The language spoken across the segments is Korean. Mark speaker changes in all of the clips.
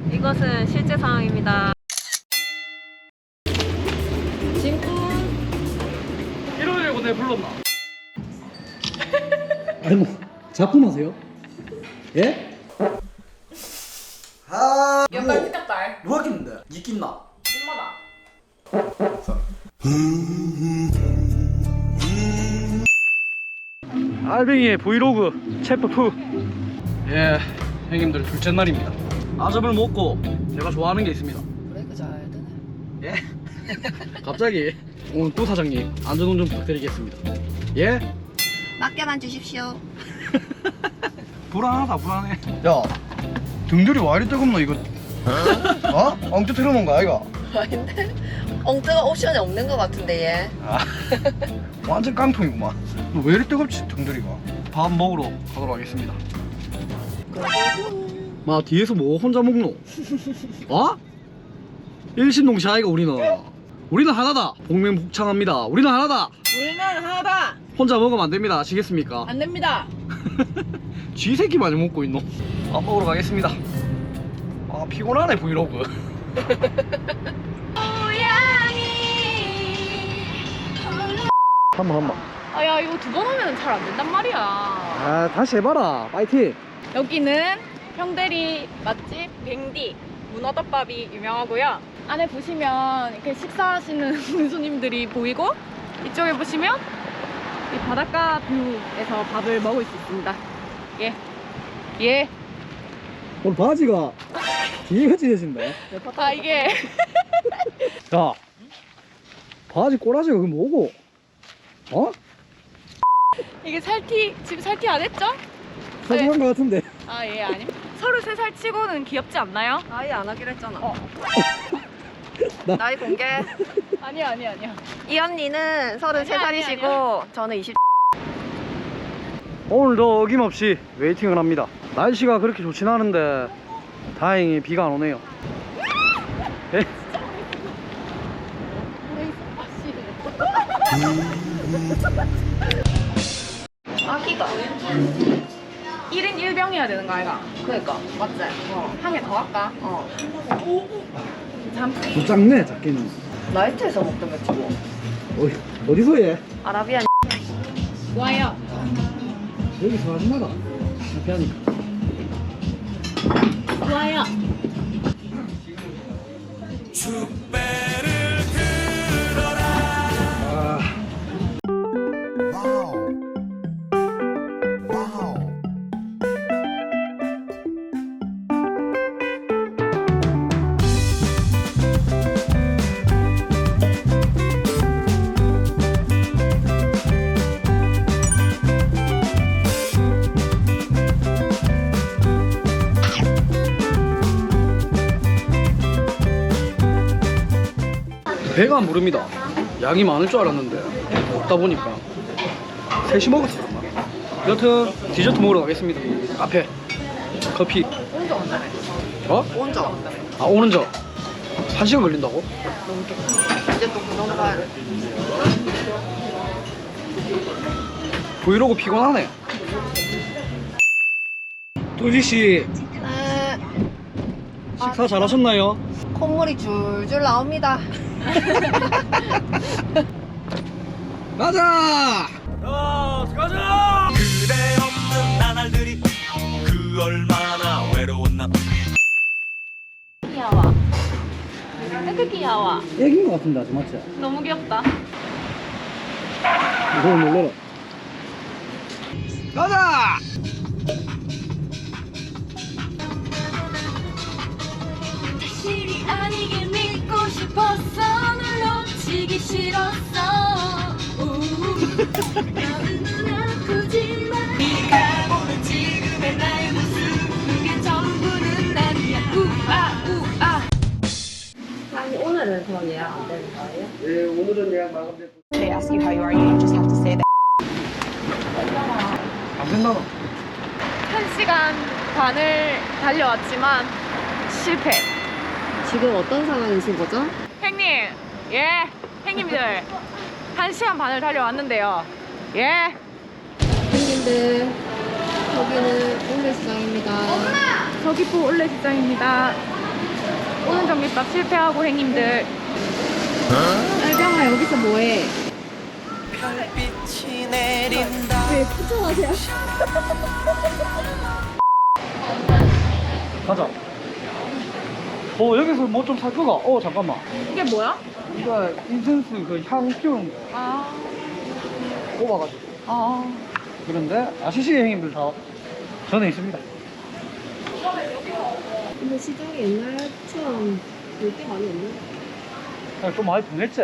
Speaker 1: 이것은 실제 상황입니다. 진군
Speaker 2: 1월1고 내 불렀나?
Speaker 3: 아니 뭐 작품하세요? 예?
Speaker 4: 아,
Speaker 1: 연말 티격달
Speaker 4: 누가 낀데? 니 낀나?
Speaker 1: 엄마다.
Speaker 2: 알뱅이의 브이로그 챕터 2. 예, 형님들 둘째 날입니다. 아점을 먹고 제가 좋아하는 게 있습니다.
Speaker 1: 브레이크 잘 되네.
Speaker 2: 예? 갑자기 오늘 또 사장님 안전운전 부탁드리겠습니다. 예?
Speaker 1: 맡겨만 주십시오.
Speaker 2: 불안하다 불안해.
Speaker 4: 야, 등들이 와 이리 뜨겁노 이거? 어? 엉뚱 틀어놓은 거야 이거?
Speaker 1: 아닌데? 엉뚱한 옵션이 없는 것 같은데 얘.
Speaker 4: 아, 완전 깡통이구만. 너 왜 이리 뜨겁지 등들이가?
Speaker 2: 밥 먹으러 가도록 하겠습니다. 마 뒤에서 뭐 혼자 먹노? 어? 일신동시 아이가 우리는 하나다. 복맹복창합니다. 우리는 하나다.
Speaker 1: 우리는 하나다.
Speaker 2: 혼자 먹으면 안 됩니다. 아시겠습니까?
Speaker 1: 안 됩니다.
Speaker 2: 쥐새끼 많이 먹고 있노? 밥 먹으러 가겠습니다. 아 피곤하네 브이로그. 한번
Speaker 1: 아야 이거 두 번 하면 잘 안 된단 말이야.
Speaker 2: 아 다시 해봐라. 파이팅.
Speaker 1: 여기는 형대리 맛집 뱅디 문어덮밥이 유명하고요. 안에 보시면 이렇게 식사하시는 손님들이 보이고 이쪽에 보시면 이 바닷가 뷰에서 밥을 먹을 수 있습니다. 예. 예.
Speaker 2: 오늘 바지가 뒤가 찢어진다.
Speaker 1: 아 이게
Speaker 2: 야 바지 꼬라지가 그게 뭐고? 어?
Speaker 1: 이게 살티 지금 살티 안 했죠?
Speaker 2: 사정한 거 같은데.
Speaker 1: 아 예 아니. 33살 치고는 귀엽지 않나요?
Speaker 5: 아예 안 하기로 했잖아.
Speaker 2: 나-
Speaker 5: 나이 공개.
Speaker 1: 아니야.
Speaker 5: 이 언니는 33살이시고
Speaker 1: 아니야.
Speaker 5: 저는 20.
Speaker 2: 오늘도 어김없이 웨이팅을 합니다. 날씨가 그렇게 좋진 않은데 다행히 비가 안 오네요. 예?
Speaker 5: 아기가.
Speaker 1: 1인 1병 해야 되는 거 아이가?
Speaker 5: 그러니까 맞지?
Speaker 1: 한 개 더 할까? 잠
Speaker 2: 좀 작네 작게는.
Speaker 5: 라이트에서 먹던 맥주 뭐.
Speaker 2: 어디서 해?
Speaker 5: 아라비안.
Speaker 1: 좋아요.
Speaker 2: 여기서 하지 마라. 앞에 하니까.
Speaker 1: 좋아요.
Speaker 2: 아, 배가 안 부릅니다. 양이 많을 줄 알았는데 먹다 보니까 셋이 먹었어요. 여튼 디저트 먹으러 가겠습니다. 카페 커피.
Speaker 5: 혼자 온다며.
Speaker 2: 어?
Speaker 5: 혼자 온다며.
Speaker 2: 아 오는 저 1시간 걸린다고?
Speaker 5: 이제 또 그런 가야 돼.
Speaker 2: 브이로그 피곤하네. 뚜지씨
Speaker 5: 네.
Speaker 2: 식사 잘하셨나요?
Speaker 5: 콧물이 줄줄 나옵니다.
Speaker 2: 가자!
Speaker 6: 가자! 그대 없는 나날들이 그 얼마나 외로웠나.
Speaker 1: 귀여워. 그 귀여워.
Speaker 2: 애기인 것 같은데 아주 맞지?
Speaker 1: 너무 귀엽다.
Speaker 2: 이걸 놀래라. 가자!
Speaker 7: 실이 아니길 믿고 싶었어 널 놓치기 싫었어 마음은 아프지만 네가 보는 지금의 나의 모습 그게 전부는 아니야 우아 우아
Speaker 5: 아니 오늘은 더 예약 안 되는 거예요?
Speaker 2: 네, 오늘은 예약 마감됐고.
Speaker 8: They ask you how you are, you just have to say that.
Speaker 2: 안 된다.
Speaker 1: 1시간 반을 달려왔지만 실패.
Speaker 5: 지금 어떤 상황이신 거죠?
Speaker 1: 형님, 예, 형님들 1시간 반을 달려왔는데요. 예.
Speaker 5: 형님들 여기는 올레시장입니다.
Speaker 1: 서귀포 올레시장입니다. 오는 전기밥 실패하고 행님들.
Speaker 5: 알병아 여기서 뭐해?
Speaker 6: 별빛이 내린다.
Speaker 2: 가자. 여기서 뭐 좀 살 거가? 잠깐만.
Speaker 1: 이게 뭐야?
Speaker 2: 이거 인센스 그 향 피우는 거
Speaker 1: 아,
Speaker 2: 뽑아가지고.
Speaker 1: 아.
Speaker 2: 그런데 아시시의 행님들 다 전에 있습니다.
Speaker 5: 근데 시장이 옛날처럼 볼 때 많이 없네.
Speaker 2: 좀 많이 변했지?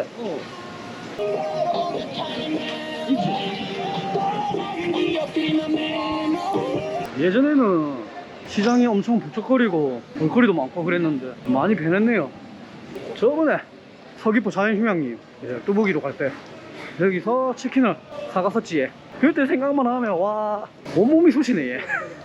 Speaker 2: 예전에는 시장이 엄청 북적거리고 볼거리도 많고 그랬는데 많이 변했네요. 저번에 서귀포 자연휴양림 뚜벅이로 갈 때 여기서 치킨을 사갔었지. 그때 생각만 하면 와 온몸이 쑤시네 얘.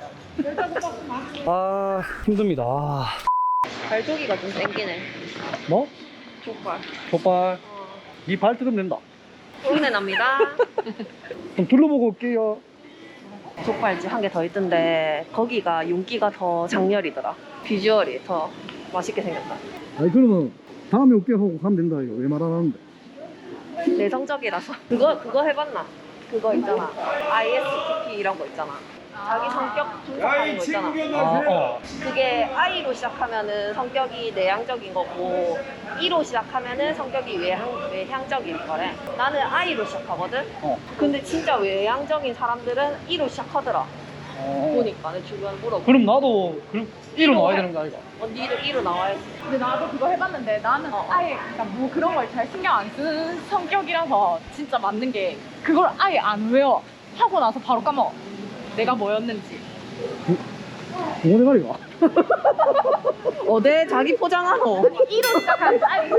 Speaker 2: 아 힘듭니다.
Speaker 5: 발조기가 좀 땡기네.
Speaker 2: 뭐?
Speaker 5: 족발.
Speaker 2: 족발 니 발 뜯으면 된다.
Speaker 5: 소리내 납니다.
Speaker 2: 그럼 둘러보고 올게요.
Speaker 5: 족발집 한 개 더 있던데 거기가 윤기가 더 장렬이더라. 비주얼이 더 맛있게 생겼다.
Speaker 2: 아니 그러면 다음에 올게요 하고 가면 된다 이거 왜 말 안 하는데.
Speaker 5: 내성적이라서. 그거 해봤나? 그거 있잖아. ISTP 이런 거 있잖아. 자기 성격 분석하는 거 있잖아. 그게 I로 시작하면은 성격이 내향적인 거고 E로 시작하면은 성격이 외향적인 거래. 나는 I로 시작하거든. 근데 진짜 외향적인 사람들은 E로 시작하더라. 보니까 내 주변 물어보고.
Speaker 2: 그럼 나도 그럼 1로 나와야 되는 거 아이가?
Speaker 5: 니를 E로 나와야지.
Speaker 1: 근데 나도 그거 해봤는데 나는 아예 그러니까 뭐 그런 걸 잘 신경 안 쓰는 성격이라서 진짜 맞는 게 그걸 아예 안 외워. 하고 나서 바로 까먹어. 내가 뭐였는지.
Speaker 2: 동호대가리가?
Speaker 5: 어데 자기 포장하노.
Speaker 1: 아니, E로 시작하는 I로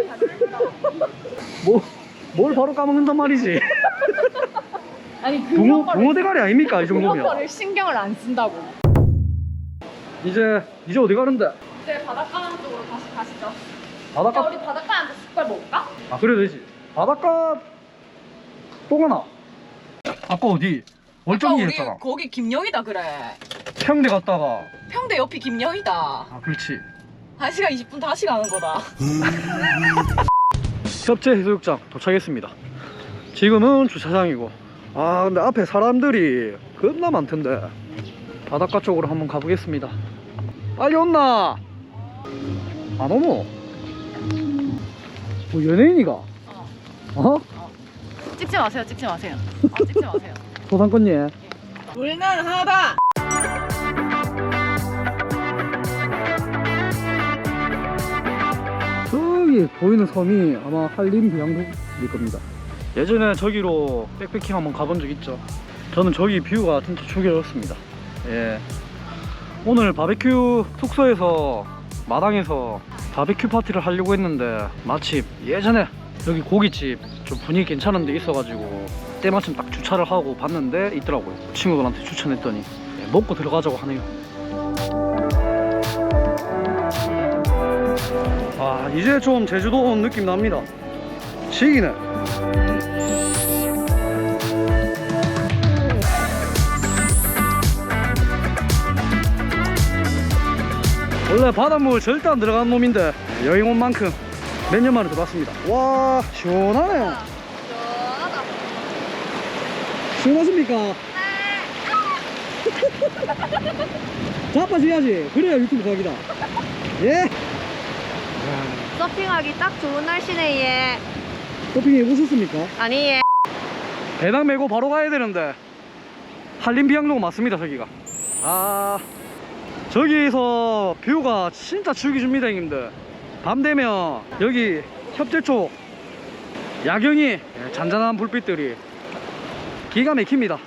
Speaker 2: 뭘 바로 까먹는단 말이지.
Speaker 1: 아니 그런 거를
Speaker 2: 동호대가리 아닙니까 이
Speaker 1: 그런
Speaker 2: 정도면?
Speaker 1: 거를 신경을 안 쓴다고.
Speaker 2: 이제 어디 가는데?
Speaker 1: 이제 바닷가 쪽으로 다시 가시죠.
Speaker 2: 바닷가?
Speaker 1: 야, 우리 바닷가에 앉아서 족발 먹을까?
Speaker 2: 아 그래 되지. 바닷가 또 가나? 아까 어디? 월정리 했잖아.
Speaker 1: 거기 김영이다 그래.
Speaker 2: 평대 갔다가
Speaker 1: 평대 옆이 김영이다.
Speaker 2: 아 그렇지.
Speaker 1: 1시간 20분 다시 가는 거다.
Speaker 2: 협재 해수욕장 도착했습니다. 지금은 주차장이고 아 근데 앞에 사람들이 겁나 많던데 바닷가 쪽으로 한번 가보겠습니다. 빨리 온나? 안 오노? 뭐 연예인이가? 어?
Speaker 1: 찍지 마세요. 찍지 마세요. 찍지 마세요.
Speaker 2: 소상권예.
Speaker 1: 울면 하다.
Speaker 2: 저기 보이는 섬이 아마 한림 비양도일 겁니다. 예전에 저기로 백패킹 한번 가본 적 있죠. 저는 저기 뷰가 진짜 죽여졌습니다. 예. 오늘 바베큐 숙소에서 마당에서 바베큐 파티를 하려고 했는데 마침 예전에 여기 고깃집 좀 분위기 괜찮은 데 있어가지고 때마침 딱 주차를 하고 봤는데 있더라고요. 친구들한테 추천했더니 예, 먹고 들어가자고 하네요. 아 이제 좀 제주도 온 느낌 납니다. 시기네. 원래 바닷물 절대 안 들어가는 놈인데 여행 온 만큼 몇 년 만에 들어왔습니다. 와 시원하네. 시원하십니까? 네. 자빠져야지. 그래야 유튜브 각이다. 예.
Speaker 5: 서핑하기 딱 좋은 날씨네 얘.
Speaker 2: 서핑 해보셨습니까?
Speaker 5: 아니 얘.
Speaker 2: 배낭 메고 바로 가야 되는데 한림 비양도가 맞습니다. 저기가 아 저기서 뷰가 진짜 죽이줍니다 형님들. 밤 되면 여기 협재 쪽 야경이 잔잔한 불빛들이 기가 막힙니다.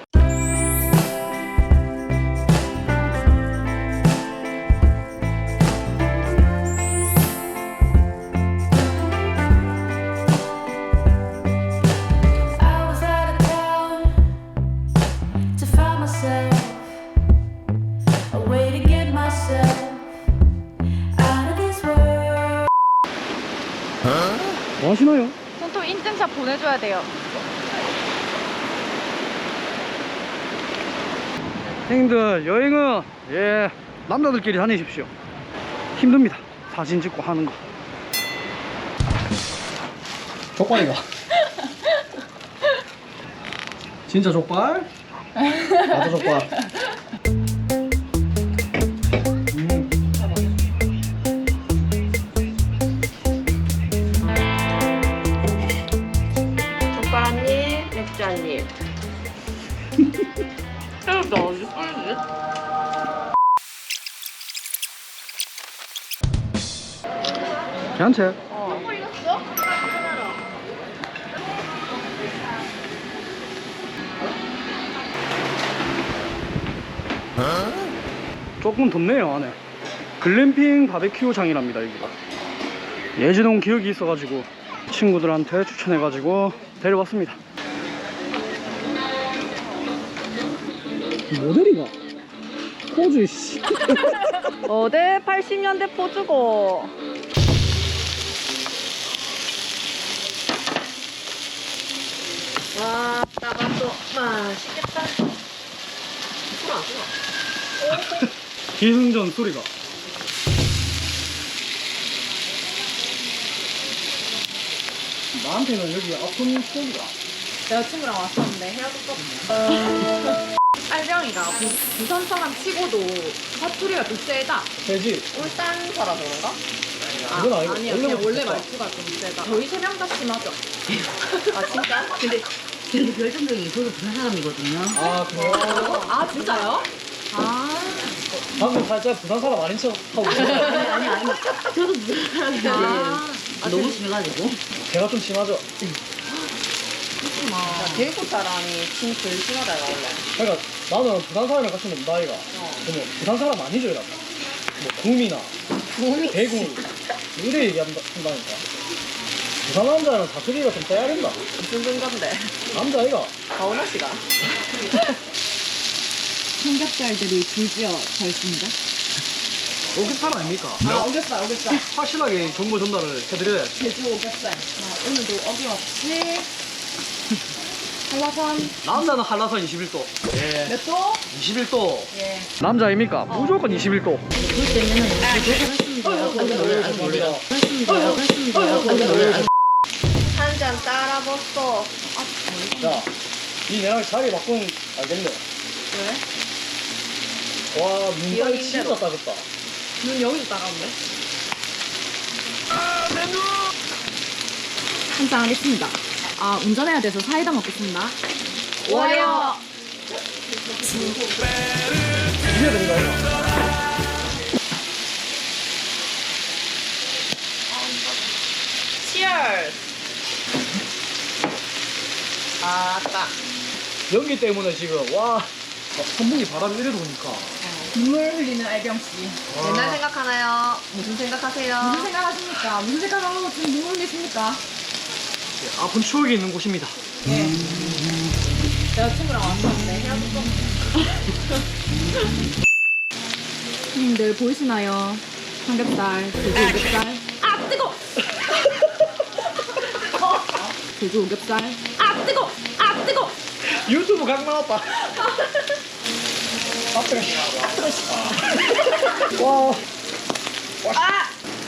Speaker 7: I was out of town to find myself a way to get myself out of this world.
Speaker 2: 뭐 하시나요?
Speaker 1: 손톱 인증샷 보내줘야 돼요.
Speaker 2: 형님들 여행은 남자들끼리 다니십시오. 힘듭니다. 사진 찍고 하는 거.
Speaker 3: 족발이가. 진짜 족발? 나도 족발.
Speaker 5: 족발 한 입, 맥주 한 입. 새우도 어디 빠르지?
Speaker 2: 괜찮지? 조금 덥네요 안에. 글램핑 바베큐장이랍니다 여기가. 예지동 기억이 있어가지고 친구들한테 추천해가지고 데려왔습니다.
Speaker 3: 모델이가. 포즈 씨.
Speaker 5: 어제 80년대 포즈고. 와, 따가또 맛있겠다. 술안 쓰나?
Speaker 2: 기승전 소리가. 나한테는 여기 아픈 소리가.
Speaker 1: 여자친구랑 왔었는데 헤어졌거든요. 빨병이가 부산 사람 치고도 사투리가 좀 세다.
Speaker 2: 되지?
Speaker 5: 울산 살아서 그런가?
Speaker 2: 그건 아니고
Speaker 1: 아니요, 그냥
Speaker 2: 원래부터
Speaker 1: 원래
Speaker 2: 진짜.
Speaker 1: 말투가 좀 세다. 저희 세 명 다 심하죠.
Speaker 5: 아, 진짜? 근데
Speaker 9: 그래도 결정적인 저도 부산 사람이거든요.
Speaker 2: 아 그래요?
Speaker 1: 아 진짜요? 아,
Speaker 2: 방금 살짝 부산 사람 아닌 척 하고 있어요.
Speaker 9: 아니. 저도 부산 사람인데 너무 심해가지고.
Speaker 2: 제가 좀 심하죠?
Speaker 5: 대구 사람이 진짜 제일 심하다, 이거 원래.
Speaker 2: 그러니까 나는 부산 사람이랑 같이 논다 아이가. 그러면 부산 사람 아니죠 이러면. 뭐 구미나 대구 이래 얘기한다니까. 부산 남자는 사투리가 좀 떼야 된다.
Speaker 5: 무슨 근건데?
Speaker 2: 남자 아이가.
Speaker 5: 가오나 씨가.
Speaker 1: 삼겹살들이 줄지어 서 있습니다.
Speaker 2: 오겹살 아닙니까?
Speaker 1: 아, 오겹살.
Speaker 2: 확실하게 정보 전달을 해드려야지.
Speaker 1: 제주 오겹살. 오늘도 어김없이 한라산
Speaker 2: 남자는 한라산 21도. 예.
Speaker 1: 몇 도?
Speaker 2: 21도.
Speaker 1: 예.
Speaker 2: 남자입니까? 무조건 21도.
Speaker 5: 한 잔 따라 먹어.
Speaker 2: 자, 이 내랑 자리 바꾸면 알겠네.
Speaker 1: 왜?
Speaker 2: 와, 눈깔이 진짜
Speaker 5: 기억인대로.
Speaker 2: 따갑다.
Speaker 1: 눈 여기도 따가운데? 한잔 하겠습니다. 아, 운전해야 돼서 사이다 먹겠습니다. 와요.
Speaker 2: 이게 된가요?
Speaker 5: Cheers. 아따.
Speaker 2: 연기 때문에 지금, 와, 선풍기 바람이 이래 도니까.
Speaker 1: 눈물 흘리는 알병씨.
Speaker 5: 옛날 생각하나요? 무슨 생각하세요?
Speaker 1: 무슨 생각하십니까? 무슨 생각하고 지금 눈물 흘리십니까?
Speaker 2: 아픈 추억이 있는 곳입니다.
Speaker 1: 예. 여자친구랑 왔었는데 헤어졌거든요. 형님들 보이시나요? 삼겹살, 돼지 오겹살. 아, 뜨거! 돼지 오겹살. 아, 뜨거! 아, 뜨거!
Speaker 2: 유튜브 각 나왔다. 와.
Speaker 5: 아!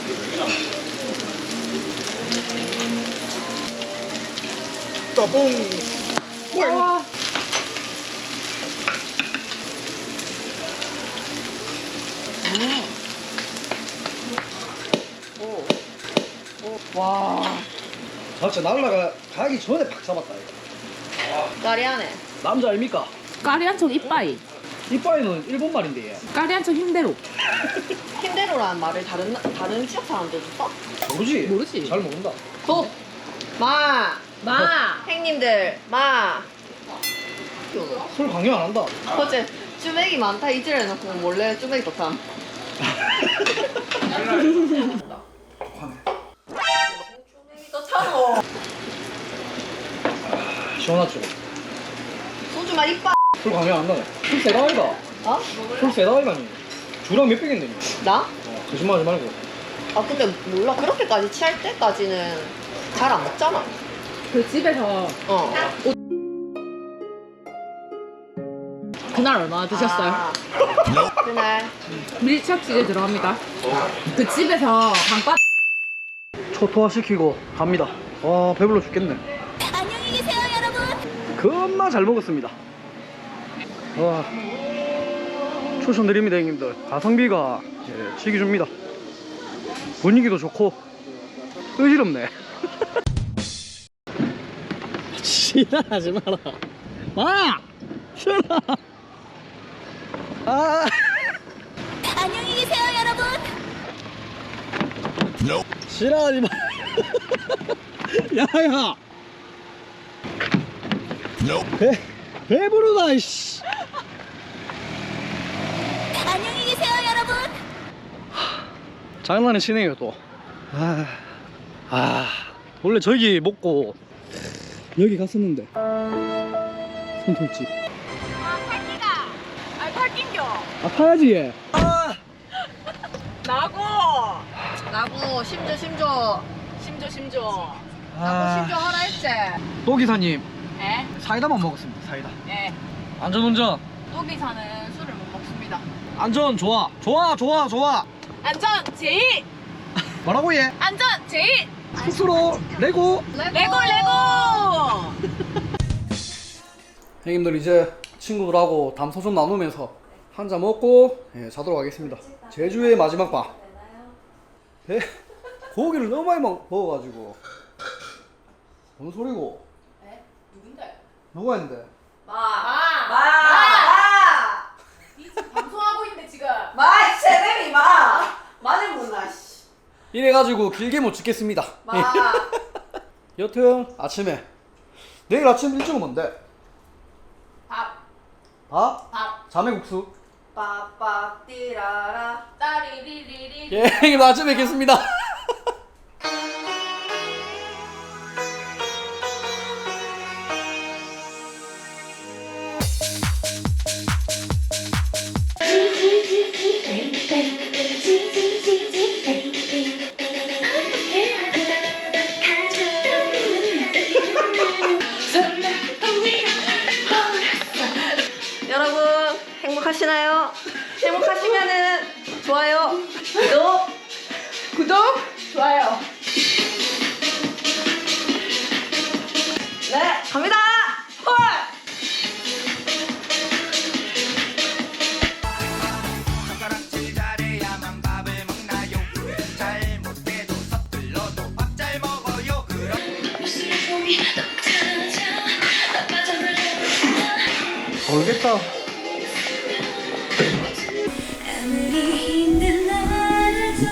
Speaker 2: 따봉.
Speaker 1: 와.
Speaker 5: 와.
Speaker 2: 아, 진짜 날라가 가기 전에 팍 잡았다 이거.
Speaker 5: 까리하네.
Speaker 2: 남자 아닙니까?
Speaker 1: 까리한 척 이빠이.
Speaker 2: 이빠이는 일본 말인데 얘.
Speaker 1: 까리한 척 힘대로.
Speaker 5: 힘대로라는 말을 다른 지역 사람들도 써?
Speaker 2: 모르지?
Speaker 1: 모르지.
Speaker 2: 잘 모른다.
Speaker 5: 도! 마!
Speaker 1: 마.
Speaker 5: 행님들, 마!
Speaker 2: 술 강요 안 한다.
Speaker 5: 어제 쭈맥이 많다 이질 해놓고 몰래 쭈맥이 좋다. 쭈맥이 더 차고.
Speaker 2: 시원하죠?
Speaker 5: 소주만 이빠.
Speaker 2: 술 강요 안 나네. 술 세다 아이가.
Speaker 5: 어?
Speaker 2: 술 세다 아이가니. 주랑 몇 백인데 니.
Speaker 5: 나?
Speaker 2: 거짓말 하지 말고.
Speaker 5: 아 근데 몰라. 그렇게까지 취할 때까지는 잘 안 먹잖아.
Speaker 1: 그 집에서
Speaker 5: 어.
Speaker 1: 그날 얼마나 드셨어요?
Speaker 5: 그날
Speaker 1: 밀착 치즈 들어갑니다. 그 집에서 강바
Speaker 2: 초토화 시키고 갑니다. 와 배불러 죽겠네.
Speaker 7: 안녕히 계세요, 여러분.
Speaker 2: 겁나 잘 먹었습니다. 와 추천드립니다 형님들. 가성비가 치기 줍니다. 분위기도 좋고 의지럽네.
Speaker 3: 지랄하지 마라. 마! 싫어.
Speaker 2: 아
Speaker 7: 안녕히 계세요, 여러분.
Speaker 3: 싫어하지 마. 야야. 배부르다 이씨.
Speaker 7: 안녕히 계세요, 여러분.
Speaker 2: 장난을 치네요 또. 원래 저기 먹고
Speaker 3: 여기 갔었는데. 손톱집.
Speaker 1: 아니 팔긴겨.
Speaker 3: 아 파야지 얘.
Speaker 1: 나고 심조.
Speaker 2: 아,
Speaker 1: 심조 하라 했지.
Speaker 2: 또 기사님
Speaker 1: 예?
Speaker 2: 사이다만 먹었습니다. 사이다.
Speaker 1: 예.
Speaker 2: 안전운전.
Speaker 1: 또기사는 술을 못 먹습니다.
Speaker 2: 안전 좋아.
Speaker 1: 안전 제일.
Speaker 2: 뭐라고 얘?
Speaker 1: 안전 제일.
Speaker 2: 스스로 레고.
Speaker 1: 레고.
Speaker 2: 형님들 이제 친구들하고 담소 좀 나누면서 한 잔 먹고 자도록 하겠습니다. 제주의 마지막 밤. 고기를 너무 많이 먹어가지고. 뭔 소리고?
Speaker 1: 에? 누군데?
Speaker 2: 누가 했는데?
Speaker 1: 이 지금 방송하고 있는데 지금.
Speaker 5: 세렘이 많이 못나 씨.
Speaker 2: 이래가지고 길게 못 찍겠습니다. 여튼 아침에 내일 아침 일정은 뭔데?
Speaker 1: 밥.
Speaker 2: 자매국수.
Speaker 5: 빡빡 띠라라.
Speaker 1: 따리리리리.
Speaker 2: 예, 형님 아침에 뵙겠습니다.
Speaker 5: 여러분 행복하시나요? 행복하시면은 좋아요,
Speaker 1: 구독, 좋아요.
Speaker 5: 네 갑니다. 헐.
Speaker 6: 젓가락질 잘해야만 밥을 먹나요? 잘못해도 서툴러도 밥 잘 먹어요. 그럼
Speaker 2: 모르겠다.
Speaker 7: 아무리 힘든 날에도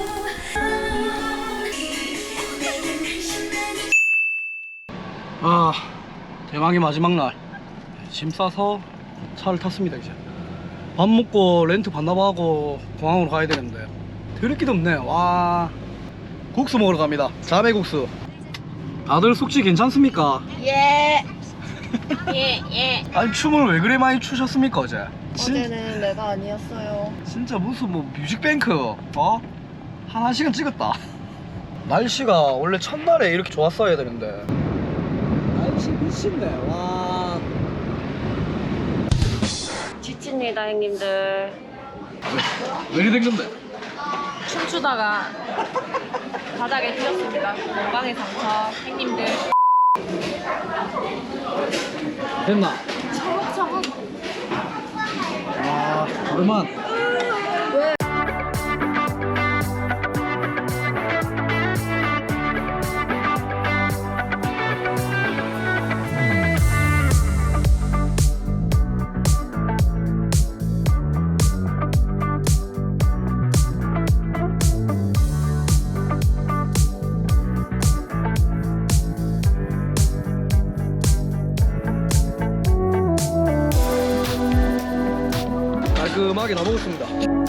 Speaker 2: 대망의 마지막 날. 짐 싸서 차를 탔습니다. 이제 밥 먹고 렌트 반납하고 공항으로 가야 되는데 드럽기도 없네. 와 국수 먹으러 갑니다. 자매국수. 다들 숙취 괜찮습니까?
Speaker 5: 예.
Speaker 2: 아니 춤을 왜 그래 많이 추셨습니까 어제?
Speaker 5: 어제는 내가 아니었어요.
Speaker 2: 진짜 무슨 뭐 뮤직뱅크 한 1시간 찍었다. 날씨가 원래 첫날에 이렇게 좋았어야 되는데
Speaker 3: 날씨 미친네. 와.
Speaker 5: 지칩니다 형님들.
Speaker 2: 왜 이리 된 건데?
Speaker 1: 춤추다가 바닥에 휘었습니다. 건강의 상처, 형님들.
Speaker 2: 됐나?
Speaker 1: 차곡차곡.
Speaker 2: 와 오랜만. 깔끔하게 다 먹었습니다.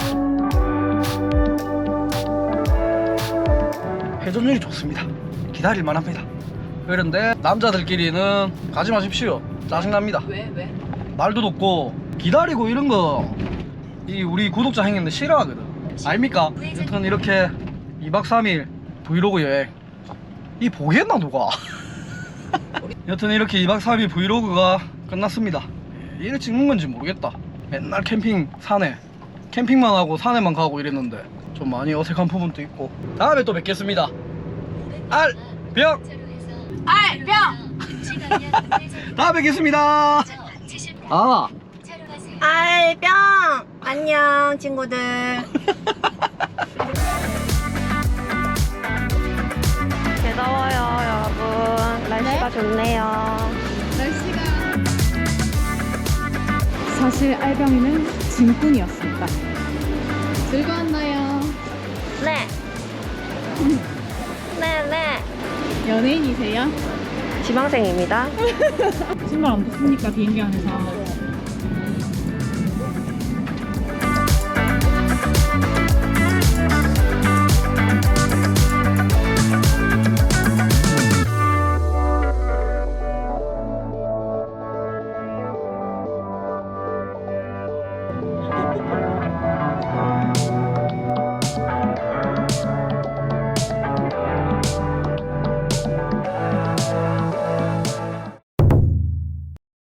Speaker 2: 회전율이 좋습니다. 기다릴만 합니다. 그런데 남자들끼리는 가지 마십시오. 짜증납니다.
Speaker 1: 왜?
Speaker 2: 말도 높고 기다리고 이런 거 이 우리 구독자 형님들 싫어하거든. 알입니까? 여튼 이렇게 2박 3일 브이로그 여행 이 보겠나 누가? 여튼 이렇게 2박 3일 브이로그가 끝났습니다. 얘를 찍는 건지 모르겠다. 맨날 캠핑 산에 캠핑만 하고 산에만 가고 이랬는데 좀 많이 어색한 부분도 있고. 다음에 또 뵙겠습니다. 알병 다음에 뵙겠습니다. 아
Speaker 8: 알병 안녕 친구들.
Speaker 5: 더워요 여러분. 날씨가 좋네요.
Speaker 1: 사실 알병이는 짐꾼이었습니다. 즐거웠나요?
Speaker 5: 네. 네네.
Speaker 1: 연예인이세요?
Speaker 5: 지망생입니다.
Speaker 1: 신발 안 벗습니까 비행기 안에서?